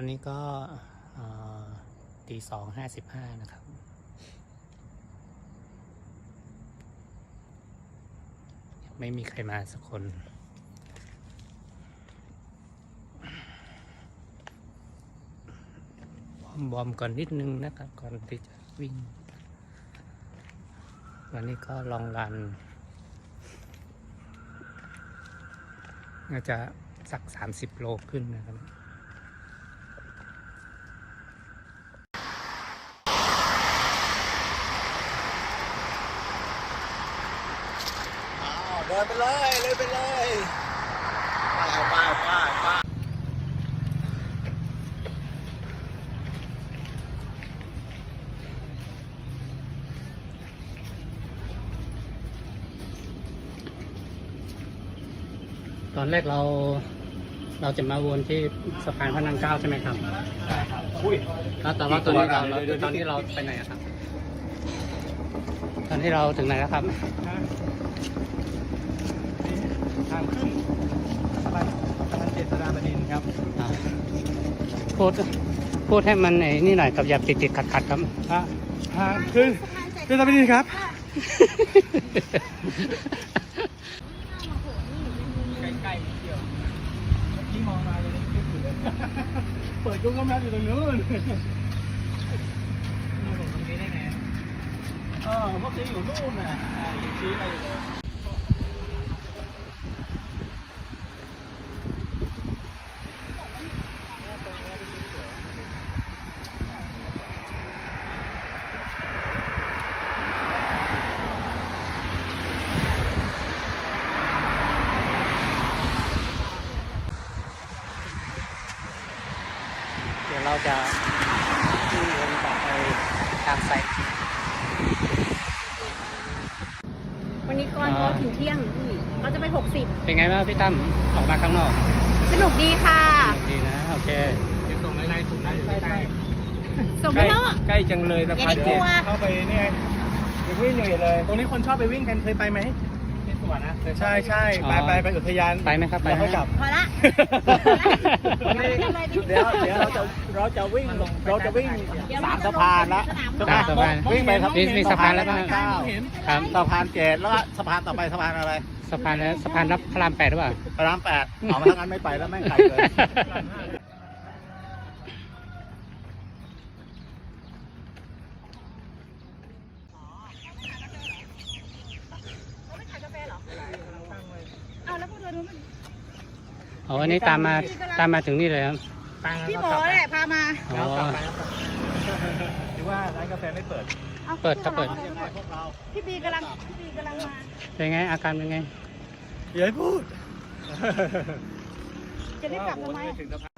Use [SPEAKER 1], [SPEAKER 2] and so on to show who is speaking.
[SPEAKER 1] อนนี้ก็ตี 2:55นะครับยังไม่มีใครมาสักคนวอร์มก่อนนิดนึงนะครับก่อนที่จะวิ่งวันนี้ก็ลองรันน่าจะสัก30 โลขึ้นนะครับ
[SPEAKER 2] เดินไปเลยเลยไปเลยไป
[SPEAKER 1] ตอนแรกเราจะมาวนที่สะพานพระนั่งเกล้าใช่ไหมครับใช่ครับแล้วแต่ว่าตอนนี้เราไปไหนครับตอนที่เราถึงไหนแล้วครับ
[SPEAKER 2] ทางขึ้นสะพานเจษฎาบดินทร์ครับ
[SPEAKER 1] พูดให้มันไอ้นี่หน่อยกับอย่าติดขัดครับ
[SPEAKER 2] ทางขึ้นเจษฎาบดินทร์ครับใกล้ๆเที่ยวที่มองมาเลยเปิดGoogle Mapsอยู่ตรงนู้นมาตรงนี้ได้ไงพวกนี้อยู่นู่นน่ะชี้ไปเลย
[SPEAKER 1] เดี๋ยวเราจะวิ่งวนต่อไปทางไซต์
[SPEAKER 3] วันนี้ก่อนพอถึงเที่ยงเราจะไป60
[SPEAKER 1] เป็นไงบ้างพี่ตั้มออกมาข้างนอก
[SPEAKER 3] สนุกดีค่ะ
[SPEAKER 1] ดีนะโอเค
[SPEAKER 2] จะส่งอะไรส่งได้อยู่ใกล้
[SPEAKER 3] ส่งไปแล้ว
[SPEAKER 2] ใกล้จังเลยสะพานเจ็ดเข้าไปเนี่ยไปวิ่งอยู่เลยตรงนี้คนชอบไปวิ่งกันเคยไปไหมที่สวนนะใช่ไปอุทยาน
[SPEAKER 1] ไปไหมครับไปไหมครับ
[SPEAKER 3] พอละ
[SPEAKER 2] เดี๋ยวเราจะวิ่ง3 สะพานละ
[SPEAKER 1] สะพาน
[SPEAKER 2] วิ่งไป
[SPEAKER 1] มีสะพานแล้วบ้าง
[SPEAKER 2] ครับสะพาน7แล้วสะพานต่อไปสะพานอะไร
[SPEAKER 1] สะพานรับพระราม 8หรือเปล่า
[SPEAKER 2] พระราม 8เอามาทางนั้นไม่ไปแล้วแม่งไกลเลย
[SPEAKER 1] อันนี้ตามมาถึงนี่เลยครับ
[SPEAKER 3] พี่หมอแหละพามา
[SPEAKER 2] แล้วกลับไปหรือว่าร้านกาแฟไม่เปิด
[SPEAKER 1] เปิดครับเปิด
[SPEAKER 3] พี่บีกำลังมา
[SPEAKER 1] เป็นไงอาการเป็นไง
[SPEAKER 2] อย่าให้พูด
[SPEAKER 3] จะรีบกลับทำไม